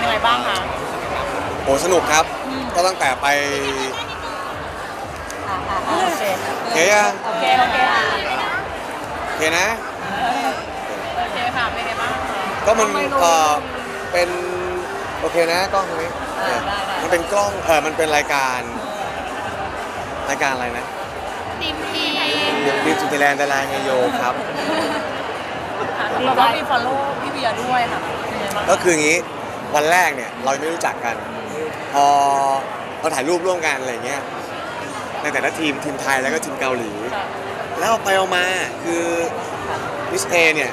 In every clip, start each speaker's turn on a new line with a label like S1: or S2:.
S1: ยังไงบ้างคะ
S2: โอ้สนุกครับก็ตั้งแต่ไป
S1: โอเค
S2: เคยัง
S1: โอเคโอเคค่ะ
S2: เคนะ
S1: โอเคค่ะเป็นไงบ้างคะ
S2: ก็มันเป็นโอเคนะกล้องตรงนี้มันเป็นกล้องมันเป็นรายการอะไรนะ
S1: ทีมที
S2: ดีสุดไทยแลนด์ดาราไงโยครับ
S1: เราก็มี follow พี่เบียร์ด้วยค่ะเป็นไงบ้าง
S2: ก็คืออย่างนี้วันแรกเนี่ยเรายังไม่รู้จักกัน พอเราถ่ายรูปร่วมกันอะไรเงี้ยในแต่ละทีมไทยแล้วก็ทีมเกาหลี แล้วเอาไปเอามาคือมิสเอเนี่ย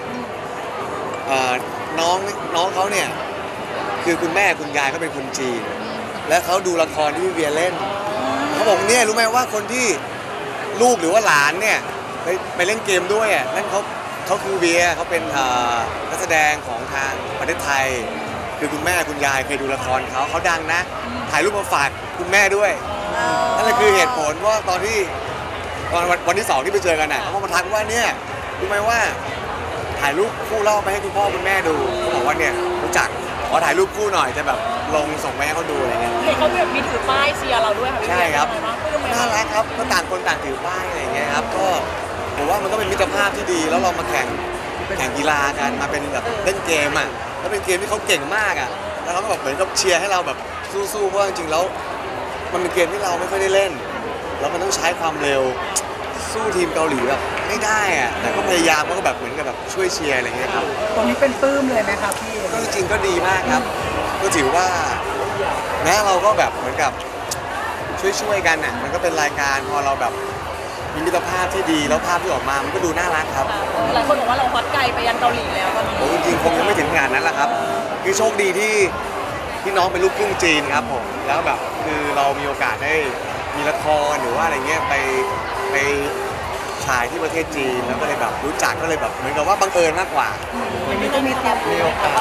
S2: น้องเขาเนี่ยคือคุณแม่คุณยายเขาเป็นคนจีน และเขาดูละครที่พี่เวียเล่นเขาบอกเนี่ยรู้ไหมว่าคนที่ลูกหรือว่าหลานเนี่ยไปเล่นเกมด้วยอ่ะนั่นเขาคือเวียเขาเป็นนักแสดงของทางประเทศไทย คือคุณแม่คุณยายเคยดูละครเขาดังนะถ่ายรูปมาฝากคุณแม่ด้วยนั่นแหละคือเหตุผลว่าตอนวันที่2ที่ไปเจอกันน่ะเขามาทักว่าเนี่ยรู้ไหมว่าถ่ายรูปคู่เล่าไปให้คุณพ่อคุณแม่ดูเขาบอกว่าเนี่ยรู้จักขอถ่ายรูปคู่หน่อยจะแบบลงส่งไปให้เขาดูอะไรเงี้ย
S1: เห็นเขาแบบมีถือป้ายเชียร์เราด้วยค่ะพี่
S2: ใช่ครับ
S1: เป็นไง
S2: น่า
S1: บ้าง
S2: รักครับก็ต่างคนต่างถือป้ายอะไรเงี้ยครับก็ผมว่ามันก็เป็นมิตรภาพที่ดีแล้วเรามาแข่งกีฬากันมาเป็นแบบเล่นเกมอ่ะแล้วเป็นเกมที่เขาเก่งมากอ่ะแล้วเขาก็แบบเหมือนกับเชียร์ให้เราแบบสู้ๆเพราะว่าจริงๆแล้วมันเป็นเกมที่เราไม่ค่อยได้เล่นแล้วมันต้องใช้ความเร็วสู้ทีมเกาหลีแบบไม่ได้อ่ะแต่ก็พยายามก็แบบเหมือนกับแบบช่วยเชียร์อะไรเงี้ยครับ
S3: ตรงนี้เป็นปลื้มเลยไหมครับพี่
S2: ก็จริงๆก็ดีมากครับก็ถือว่านะเราก็แบบเหมือนกับช่วยกันอ่ะมันก็เป็นรายการพอเราแบบมีมิตรภาพที่ดีแล้วภาพที่ออกมามันก็ดูน่ารักครับ
S1: หลายคนบอกว่าเราฮอตไกลไปยันเกาหลีแล้วตอนนี้
S2: ผมจริงๆคงยังไม่ถึงขนาดนั้นแหละครับคือโชคดีที่น้องเป็นลูกครึ่งจีนครับผมแล้วแบบคือเรามีโอกาสได้มีละครหรือว่าอะไรเงี้ยไปฉายที่ประเทศจีนแล้วก็เลยแบบรู้จักก็เลยแบบเหมือนกับว่าบังเอิญมากกว่า
S3: วันนี้ก็มีเตรียมมีโอกาส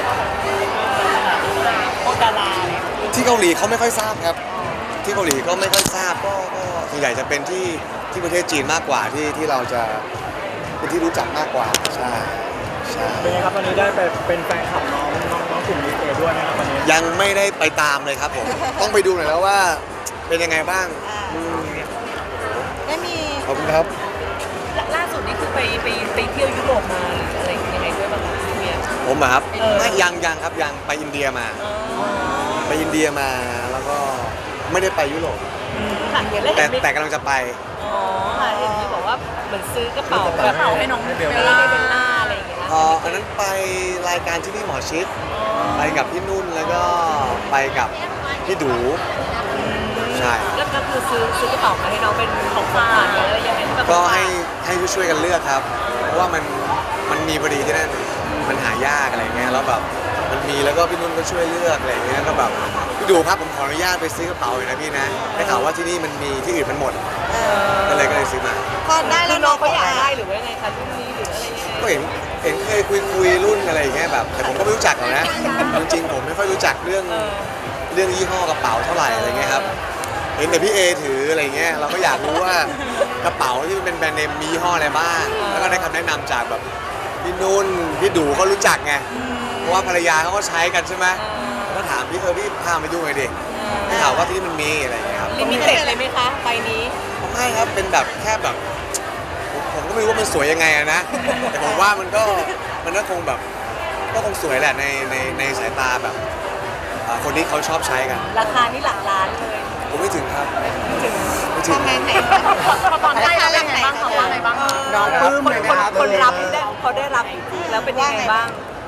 S1: โอดาราเนี่ย
S2: ที่เกาหลีเขาไม่ค่อยทราบครับ ที่เกาหลีก็ไม่ค่อยทราบก็ส่วนใหญ่จะเป็นที่ประเทศจีนมากกว่าที่เราจะเป็นที่รู้จักมากกว่าใช่
S3: เป็นไงครับวันนี้ได้ไปเป็นแฟนคลับน้องกลุ่มนี้เอด้วยนะครับวันนี้
S2: ยังไม่ได้ไปตามเลยครับผม ต้องไปดูหน่อยแล้วว่าเป็นยังไงบ้างม
S4: ได้มี
S2: ขอบคุณครับ
S1: ล่าสุดนี่คือไปเที่ยวยุโรปมาหรืออะไรยังไงด้วยบ้างคะพี่เบียร์
S2: ผมอะครับไม่ยังครับยังไปอินเดียมา ไปอินเดียมาแล้วก็ไม่ได้ไปยุโรป
S1: ค่ะเห็นแล้ว
S2: แต่
S1: เห็นมี
S2: แต่กำลังจะไป
S1: อ๋อค่ะเห็นมีบอกว่าเหมือนซื้อกระเป๋าให้น้องเบลล่าอะไรอย่างเงี้ย
S2: อันนั้นไปรายการที่นี่หมอชิดไปกับพี่นุ่นแล้วก็ไปกับพี่ดูใช่
S1: แล้วก็คือซื้อกระเป๋ามาให้น้องเป็นของฝากหรืออะไรยังไงแบบ
S2: ก็ให้ช่วยกันเลือกครับ เพราะว่ามันมีพอดีที่นั่นมันหายากอะไรเงี้ยแล้วแบบมันมีแล้วก็พี่นุ่นก็ช่วยเลือกอะไรเงี้ยก็แบบพี่ดูครับผมขออนุญาตไปซื้อกระเป๋าหน่อยนะพี่นะได้ข่าวว่าที่นี่มันมีที่อื่นมันหมดก็เลยซื้อมา
S4: พอได้
S1: คื
S4: แล้
S1: อ
S4: ว
S1: น้
S4: น้
S1: อ
S4: อง ง
S1: เขาอยาก
S4: ได้
S1: ได้หรือว่ายังไงคะรุ่นนี้หรืออะไรยังไง
S2: ก็เห็นเคยคุยรุ่นอะไรอย่างเงี้ยแบบแต่ผมก็ไม่รู้จักหรอกนะจริงๆผมไม่ค่อยรู้จักเรื่องยี่ห้อกระเป๋าเท่าไหร่อะไรเงี้ยครับเห็นแต่พี่เอถืออะไรเงี้ยเราก็อยากรู้ว่ากระเป๋าที่เป็นแบรนด์เนมมียี่ห้ออะไรบ้างแล้วก็ได้คำแนะนำจากแบบพี่นุ่นพี่ดูเขารู้จักไงเพราะว่าภรรยาเขาก็ใช้กันใช่ไหมก็ถามพี่พี่พาไปดูหน่อยดิได้ข่าวว่าที่นี่มันมีอะไรเงี้ยครับ
S1: ลิมิเต็ดเลยไหมคะใบนี้
S2: ไม่ครับเป็นแบบแค่แบบผมก็ไม่รู้ว่ามันสวยยังไงอะนะแต่ผมว่ามันก็คงแบบก็คงสวยแหละในสายตาแบบคนที่เขาชอบใช้กัน
S1: ราคานี่หลักล้านเลย
S2: ผมไม่ถึงครับไม่ถึง
S4: ทำงานไหน
S1: พอตอนได้เราเป็นไงบ้างคะว่าไงบ้างคะ
S3: น้องปลื้มเลยไหมครับ
S1: คนรับได้เขาได้รับแล้วเป็นยังไงบ้าง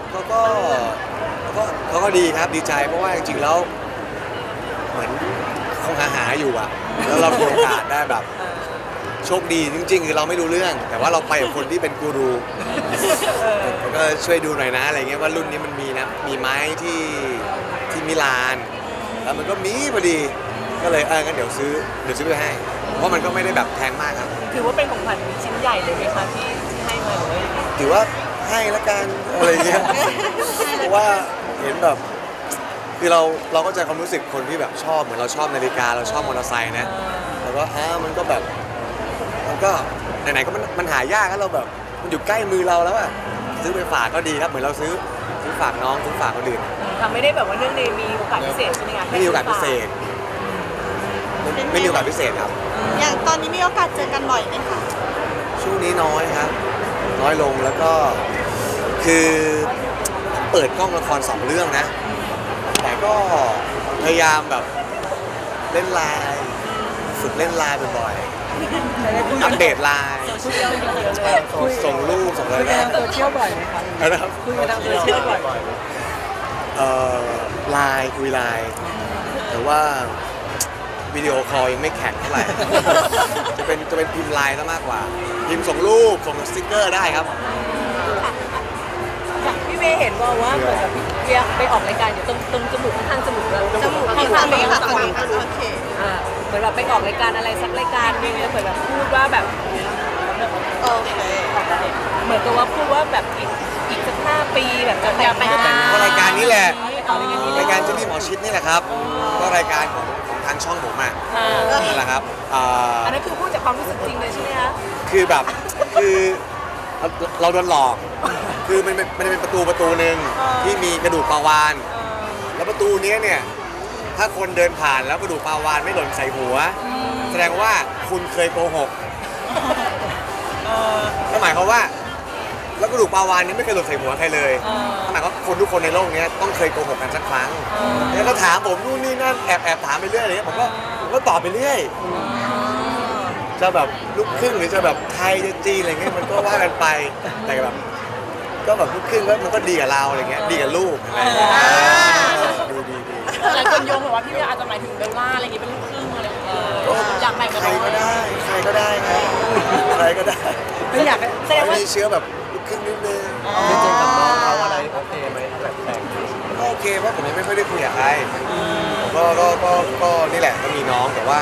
S2: เขาก็ดีครับดีใจเพราะว่าจริงๆแล้วเหมือนคงหาอยู่อะแล้วเรามีโอกาสได้แบบโชคดีจริงๆคือเราไม่รู้เรื่อง แต่ว่าเราไปกับคนที่เป็นกูรูก็ช่วยดูหน่อยนะอะไรเงี้ยว่ารุ่นนี้มันมีนะมีไม้ที่มิลาน แล้วมันก็มีพอดีก็เลยงั้นเดี๋ยวซื้อไปให้ เพราะมันก็ไม่ได้แบบแพงมากครับ
S1: ถือว่าเป็นของขวัญชิ้นใหญ่เลยไหมคะที่ให้มาหรือว่ายังไง
S2: ถือว่าให้ละกันอะไรเงี้ยเพราะว่าเห็นแบบคือเราก็จะความรู้สึกคนที่แบบชอบเหมือนเราชอบนาฬิกาเราชอบมอเตอร์ไซค์นะแล้วก็มันก็แบบมันก็ไหนๆก็มันหายากแล้วเราแบบมันอยู่ใกล้มือเราแล้วอะซื้อไปฝากก็ดีครับเหมือนเราซื้อซื้อฝากน้องซื้อฝากคนอื่น
S1: ทำไม่ได้แบบว่าเรื่องในมีโอกาสพิเศษใช่ไหมคะ
S2: ไม่มีโอกาสพิเศษไม่มีโอกาสพิเศษครับ
S4: อย่างตอนนี้มีโอกาสเจอกันบ่อยไหมคะ
S2: ช่วงนี้น้อยครับ น้อยลงแล้วก็คือเปิดกล้องละคร2 เรื่องนะ แต่ก็พยายามแบบเล่นไลน์ฝึกเล่นไลน์บ่อยๆอัปเดตไลน์
S1: โซเชียลเยอะเลย
S2: ส่งรูปส่งอะไร
S3: คุยกัน
S2: นะ
S3: ทางโซเชียลบ่อยไหมครับ
S2: นะครับ
S3: คุยกันทางโซเชียลบ่อย
S2: ไลน์คุยไลน์แต่ว่าวิดีโอคอลยังไม่แข็งเท่าไหร่ จะเป็นพิมพ์ไลน์ซะมากกว่า พิมพ์ส่งรูปส่งสติ๊กเกอร์ได้ครับ
S1: พี่เมย์เห็นว่าเหมือนกับเรียกไปออกรายการอยู่ตรงจมูกข้างจมูกแล้ว
S4: จมูกที่ทำเองค่ะฝั่งนี้ค่ะโอเค
S1: เหมือนแบบไปออกรายการอะไรสักรายการนึงแล้วเหมือนแบบพูดว่าแบบ
S4: โอเค
S1: เหมือนกับว่าพูดว่าแบบอีกสัก5 ปีแบบจะแต่งงาน
S2: ก็รายการนี้แหละ
S1: เอารายการนี้
S2: รายการเจนนี่หมอชิดนี่แหละครับ ก็รายการของทางช่องผมอ่ะนั่นแหละครับ
S1: อันนั้นคือพูดจากความรู้สึกจริงเลยใช่ไหมคะ
S2: คือแบบคือเราโดนหลอก คือมันเป็นประตูหนึ่งที่มีกระดูกปลาวาน แล้วประตูเนี้ยเนี่ยถ้าคนเดินผ่านแล้วกระดูกปลาวานไม่หล่นใส่หัว แสดงว่าคุณเคยโกหกก็หมายความว่า แล้วกระดูกปลาวานนี้ไม่เคยหล่นใส่หัวใครเลยหมายความว่าคนทุกคนในโลกนี้ต้องเคยโกหกกันสักครั้งแล้วก็ถามผมนู่นนี่นั่นแอบถามไปเรื่อยอะไรเงี้ยผมก็ตอบไปเรื่อยจะแบบลูกครึ่งหรือจะแบบไทยจะจีนอะไรเงี้ยมันก็ว่ากันไปแต่แบบก็แบบลูกครึ่งก็มันก็ดีกับเราอะไรเงี้ยดีกับลูกอะไรเงี้ยดี
S1: หลายคนโยงแบบว่าพี่เมย์อาจจะหมายถึงเบลล่าอะไรอย่างงี้เป็นลูกครึ่งอะไรอย่างเงี้ยอยากแต่งกับ
S2: ใคร
S1: น้อง
S2: ก็ได้ใครก็ได้ครับใครก็ได้
S3: ไม่อยากให้
S1: แสดงว่า
S2: มีเชื้อแบบลูกครึ่งนิดนึง
S3: จริงๆกับน้องเขาอะไรโอเคไหมแบบแต่ง
S2: ก็โอเคเพราะผมยังไม่ค่อยได้คุยกับใครผมก็นี่แหละก็มีน้องแต่ว่า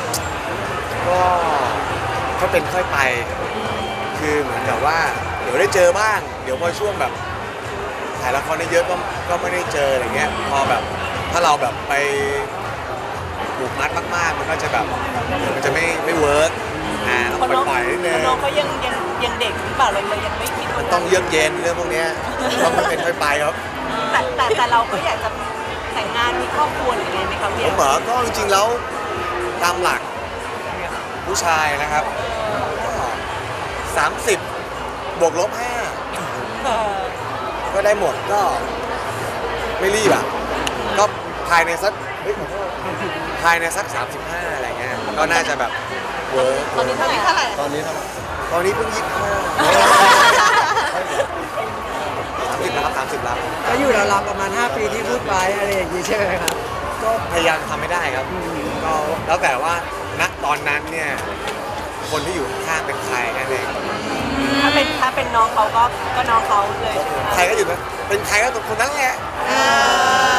S2: ก็เป็นค่อยไป คือเหมือนกับว่าเดี๋ยวได้เจอบ้าง เดี๋ยวพอช่วงแบบถ่ายละครได้เยอะก็ไม่ได้เจออะไรเงี้ยพอแบบถ้าเราแบบไปผูกมัดมากๆมันก็จะแบบมันจะไม่เวิร์กต้องปล่อยๆนิดนึง
S1: น้องเขายังเด็กหรือเปล่าเรายังไม่คิด
S2: มันต้องเยือกเย็นเรื่องพวกเนี้ยต้องเป็นค่อยไปครับ
S1: แต่เราก็อยากจะแต่งงานมีครอบครัวหรือไงไหมคะ
S2: ผ
S1: พี่
S2: มเหรอก็จริงๆแล้วตามหลักผู้ชายนะครับก็30 บวกลบ 5 ก็ได้หมดก็ไม่รีบอ่ะก็ภายในสักภายในสัก 35 อะไรเงี้ยก็น่าจะแบบเวิร์ก
S1: ตอนนี้เท่าไหร่
S4: เท่าไหร่
S3: ตอนนี้เท่าไหร่
S2: ตอนนี้เพิ่ง25 30แล้วครับ30แล้ว
S3: ก็อยู่ราวๆประมาณ5 ปีที่พูดไว้อะไรอย่างนี้ใช่ไหมครับ
S2: ก็พยายามทำไม่ได้ครับก็แล้วแต่ว่าณตอนนั้นเนี่ยคนที่อยู่ข้างๆเป็นใครแค่นั้นเอง
S1: ถ้าเป็นน้องเขาก็น้องเขาเลยใช่ไหม
S2: ใครก็อยู่นะเป็นใครก็คนนั้นแหละ
S4: อ่า